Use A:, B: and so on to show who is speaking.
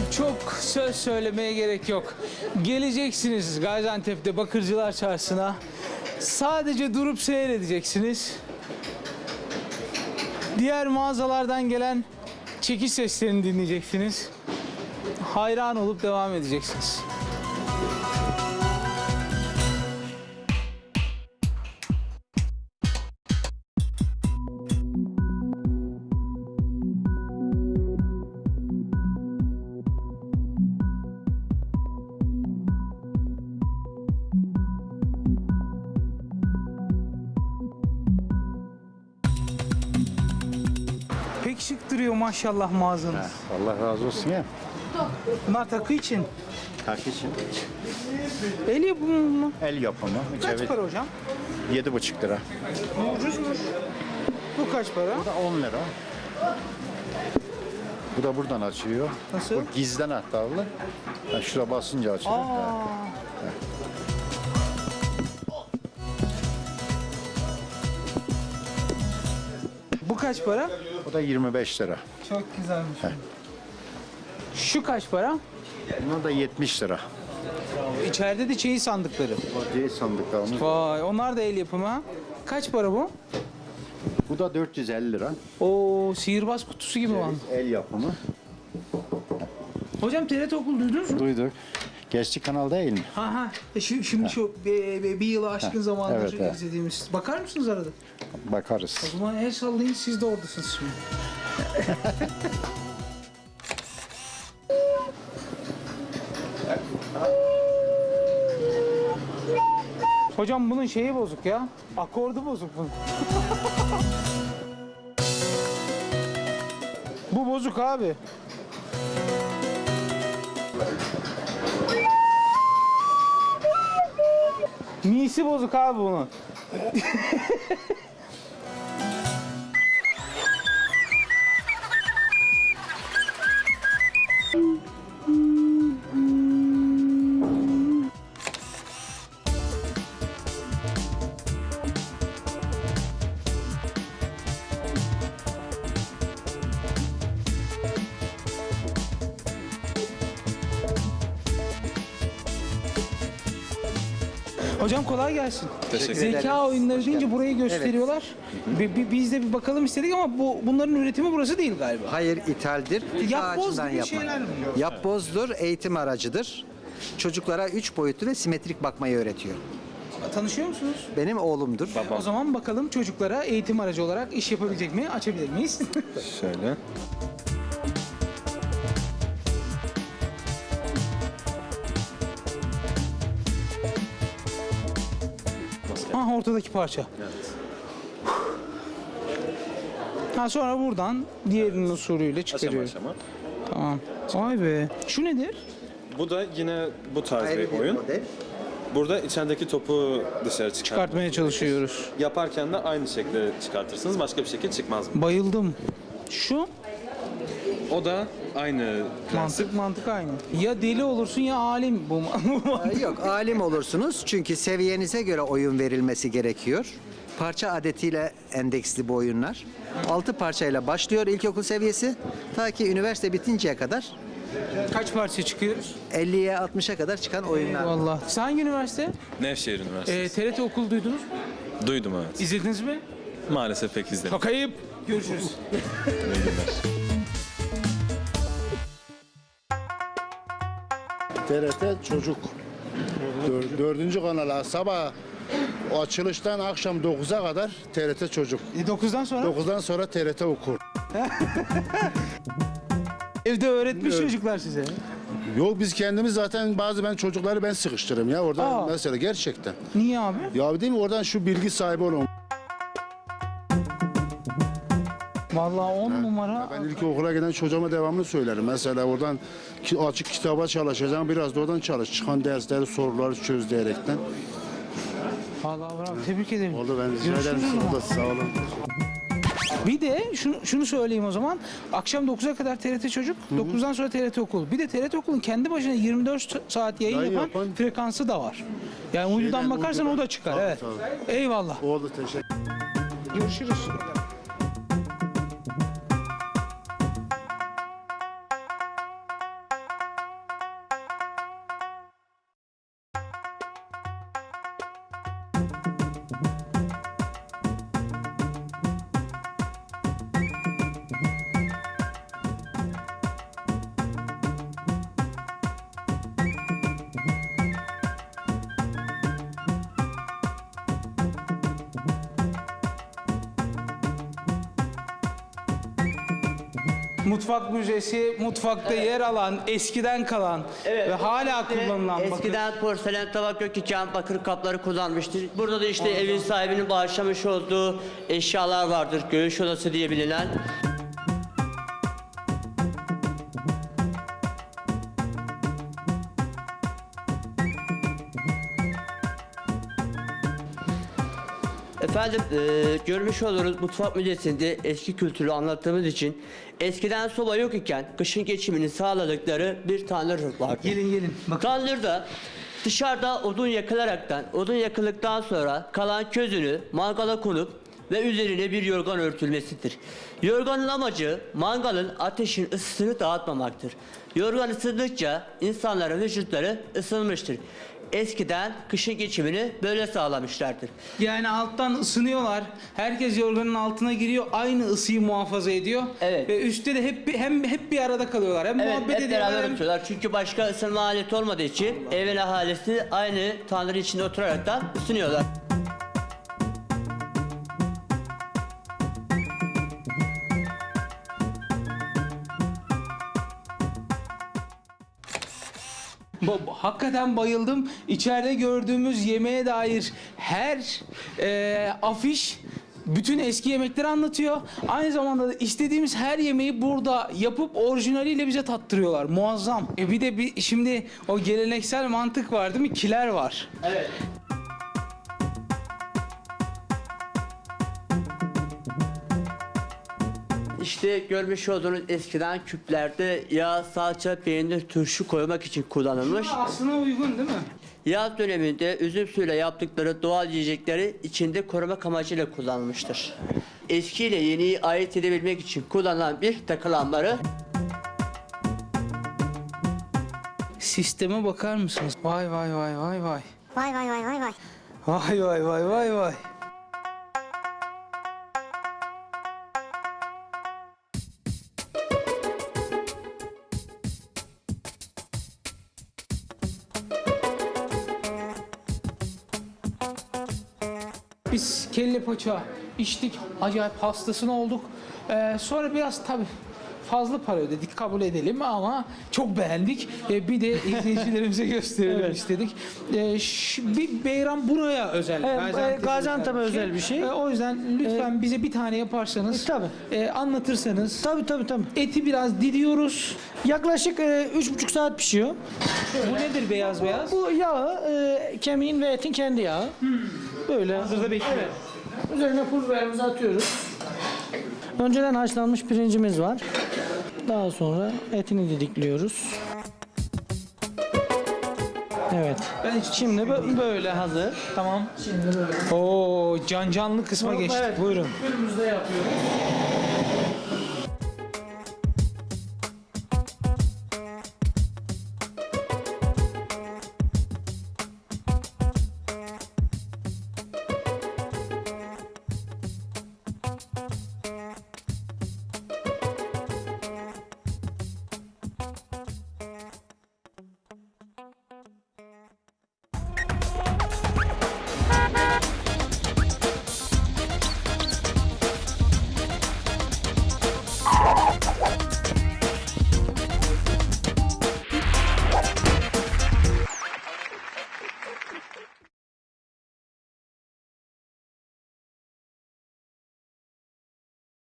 A: Çok söz söylemeye gerek yok. Geleceksiniz Gaziantep'te Bakırcılar Çarşısı'na. Sadece durup seyredeceksiniz. Diğer mağazalardan gelen çekiş seslerini dinleyeceksiniz. Hayran olup devam edeceksiniz. Pek şık duruyor maşallah mağazanız.
B: Allah razı olsun ya.
A: Bunlar takı için.
B: Takı için.
A: El yapımı mı?
B: El yapımı.
A: Kaç para hocam?
B: 7,5 lira.
A: Ucuzmuş. Bu kaç para?
B: Bu da 10 lira. Bu da buradan açıyor.
A: Nasıl?
B: Bu gizden anahtarlı. Yani şuraya basınca açıyor.
A: Aa. Bu kaç para?
B: Bu da 25 lira.
A: Çok güzelmiş. Şu kaç para?
B: Buna da 70 lira.
A: İçeride de çeyiz sandıkları.
B: O C sandıklarımız.
A: Vay, onlar da el yapımı. Ha. Kaç para bu?
B: Bu da 450 lira.
A: Oo, sihirbaz kutusu gibi var.
B: El yapımı.
A: Hocam TRT Okul duydunuz mu?
B: Duyduk. Geçti kanal değil mi?
A: Ha ha. Şimdi şu bir yılı aşkın zamandır
B: evet, evet.
A: izlediğimiz. Bakar mısınız arada?
B: Bakarız.
A: O zaman el sallayın, siz de oradasınız şimdi. Hocam bunun şeyi bozuk ya. Akordu bozuk bunun. Bu bozuk abi. Misi bozuk abi bunun. Hocam kolay gelsin.
C: Teşekkür
A: Zeka oyunları deyince burayı gösteriyorlar. Biz de bir bakalım istedik ama bunların üretimi burası değil galiba.
D: Hayır, ithaldir.
A: Yapboz
D: Ağacından
A: gibi
D: yapma.
A: şeyler mi?
D: Yapbozdur, eğitim aracıdır. Çocuklara 3 boyutlu ve simetrik bakmayı öğretiyor.
A: Tanışıyor musunuz?
D: Benim oğlumdur.
A: O zaman bakalım çocuklara eğitim aracı olarak iş yapabilecek mi? Açabilir miyiz?
C: Şöyle.
A: Ha, ortadaki parça. Ha, sonra buradan diğerinin usulüyle
C: Aşama
A: çıkarıyoruz.
C: aşama.
A: Tamam. Vay be. Şu nedir?
C: Bu da yine bu tarz
D: Ayrı
C: bir oyun.
D: model.
C: Burada içerideki topu dışarı
A: Çıkartmaya çalışıyoruz.
C: Yaparken de aynı şekilde çıkartırsınız. Başka bir şekil çıkmaz.
A: Bayıldım. Şu
C: O da aynı prensip.
A: mantık aynı. Ya deli olursun ya alim bu.
D: Yok, alim olursunuz çünkü seviyenize göre oyun verilmesi gerekiyor. Parça adetiyle endeksli bu oyunlar. 6 parçayla başlıyor ilkokul seviyesi. Ta ki üniversite bitinceye kadar
A: Kaç parça çıkıyoruz?
D: 50'ye 60'a kadar çıkan oyunlar.
A: Vallahi. Sen hangi üniversite?
C: Nevşehir Üniversitesi.
A: TRT Okul duydunuz mu?
C: Duydum evet.
A: İzlediniz mi?
C: Maalesef pek izlemedim.
A: Çok ayıp. Görüşürüz.
E: TRT Çocuk. Dördüncü kanala sabah o açılıştan akşam 9'a kadar TRT Çocuk.
A: 9'dan sonra
E: 9'dan sonra TRT Okur.
A: evde öğretmiş çocuklar size.
E: Yok biz kendimiz zaten ben çocukları ben sıkıştırırım ya orada
A: Aa.
E: mesela gerçekten.
A: Niye abi?
E: Ya değil mi oradan şu bilgi sahibi olun.
A: Vallahi 10 numara.
E: Ben ilk okula giden çocuğuma devamlı söylerim. Mesela oradan açık kitaba çalışacağım biraz da oradan çalış. Çıkan dersleri soruları çöz diyerekten.
A: Vallahi bravo. Tebrik ederim.
E: Oldu ben rica ederim.
A: Görüşürüz o zaman.
E: Sağ olun.
A: Bir de şunu söyleyeyim o zaman. Akşam 9'a kadar TRT Çocuk, 9'dan sonra TRT Okul. Bir de TRT Okul'un kendi başına 24 saat yayın
E: Yayın
A: yapan
E: yapan-
A: frekansı da var. Yani uydudan bakarsan
E: uydudan.
A: o da çıkar.
E: Tabii,
A: Evet.
E: tabii.
A: Eyvallah.
E: Oldu teşekkür.
A: Görüşürüz. Mutfak müzesi, mutfakta yer alan, eskiden kalan ve hala kullanılan bakır.
F: Eskiden porselen tabak yok iken bakır kapları kullanmıştır. Burada da işte evin sahibinin bağışlamış olduğu eşyalar vardır. Göğüş odası diye bilinen. Efendim görmüş oluruz mutfak müzesinde eski kültürü anlattığımız için eskiden soba yok iken kışın geçimini sağladıkları bir tanrı vardı.
A: Gelin. Bakın.
F: Tandırda dışarıda odun yakılaraktan, odun yakıldıktan sonra kalan közünü mangala konup ve üzerine bir yorgan örtülmesidir. Yorganın amacı mangalın ateşin ısısını dağıtmamaktır. Yorgan ısındıkça insanların vücutları ısınmıştır. Eskiden kışın geçimini böyle sağlamışlardır.
A: Yani alttan ısınıyorlar. Herkes yorganın altına giriyor. Aynı ısıyı muhafaza ediyor.
F: Evet.
A: Ve üstte de hep bir arada kalıyorlar. Hem
F: Evet,
A: muhabbet
F: hep
A: ediyorlar.
F: beraber
A: hem-
F: oturuyorlar. Çünkü başka ısınma aleti olmadığı için evin ahalisi aynı tanrı içinde oturaraktan ısınıyorlar.
A: Hakikaten bayıldım. İçeride gördüğümüz yemeğe dair her afiş bütün eski yemekleri anlatıyor. Aynı zamanda da istediğimiz her yemeği burada yapıp orijinaliyle bize tattırıyorlar. Muazzam. Bir de şimdi o geleneksel mantık var değil mi? Kiler var.
F: Evet. İşte görmüş olduğunuz eskiden küplerde yağ, salça, peynir, turşu koymak için kullanılmış.
A: Aslına uygun değil mi?
F: Yaz döneminde üzüm suyuyla yaptıkları doğal yiyecekleri içinde korumak amacıyla kullanılmıştır. Eski ile yeniyi ayırt edebilmek için kullanılan bir takı lambarı.
A: Sisteme bakar mısınız? Vay.
G: Vay vay vay vay vay.
A: Vay. Biz kelle paça içtik, acayip hastasını olduk. Sonra biraz tabii fazla para ödedik, kabul edelim ama çok beğendik. Bir de izleyicilerimize gösterelim istedik. Bir beyran buraya özel.
G: Gaziantep'e özel bir şey.
A: O yüzden lütfen bize bir tane yaparsanız,
G: tabii.
A: Anlatırsanız.
G: Tabii.
A: Eti biraz didiyoruz.
G: Yaklaşık 3,5 saat pişiyor.
A: Bu nedir beyaz?
G: Bu yağı kemiğin ve etin kendi yağı. Böyle.
A: Hazırda bekliyor.
G: Üzerine pul biberimizi atıyoruz. Önceden haşlanmış pirincimiz var. Daha sonra etini didikliyoruz. Evet. Şimdi böyle hazır.
A: Tamam.
G: Şimdi böyle.
A: Oo, canlı kısma geçtik.
G: Evet.
A: Buyurun.
G: Önümüzde yapıyoruz.